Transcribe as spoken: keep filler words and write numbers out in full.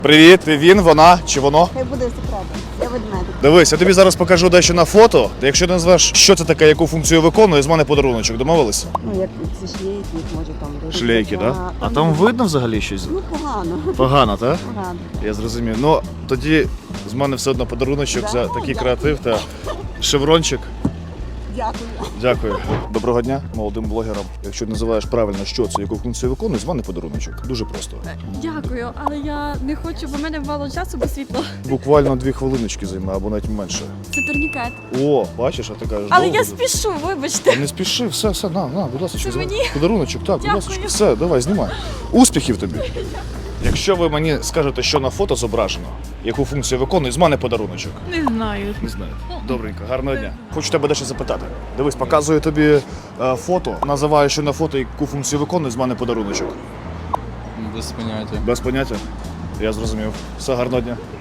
Привіт, ти він, вона чи воно? Хай буде секретом. Я ведмедик. Дивись, я тобі зараз покажу дещо на фото. Якщо ти назвеш, що це таке, яку функцію виконує, з мене подаруночок. Домовились? Ну, як ці шлейки, може там десь. Шлейки, так? Да? А там видно взагалі щось? Ну, погано. Погано, так? Погано. Я зрозумів. Ну, тоді з мене все одно подаруночок за такий креатив та шеврончик. Дякую. Дякую. Доброго дня молодим блогерам. Якщо називаєш правильно, що це, яку функцію виконує, з мене подаруночок. Дуже просто. Дякую, але я не хочу, бо в мене мало часу без світла. Буквально дві хвилиночки займе, або навіть менше. Це турнікет. О, бачиш, а ти кажеш. Але довго я буде? спішу, вибачте. Та не спіши, все, все, на, на, будь ласка. Це мені? Подаруночок, так, будь Дякую. ласка. Все, давай, знімай. Успіхів тобі. Якщо ви мені скажете, що на фото зображено, яку функцію виконує, з мене подаруночок. Не знаю. Не знаю. Добренько, гарного дня. Хочу тебе дещо запитати. Дивись, показую тобі е, фото, називаю, що на фото, яку функцію виконує, з мене подаруночок. Без поняття. Без поняття? Я зрозумів. Все, гарного дня.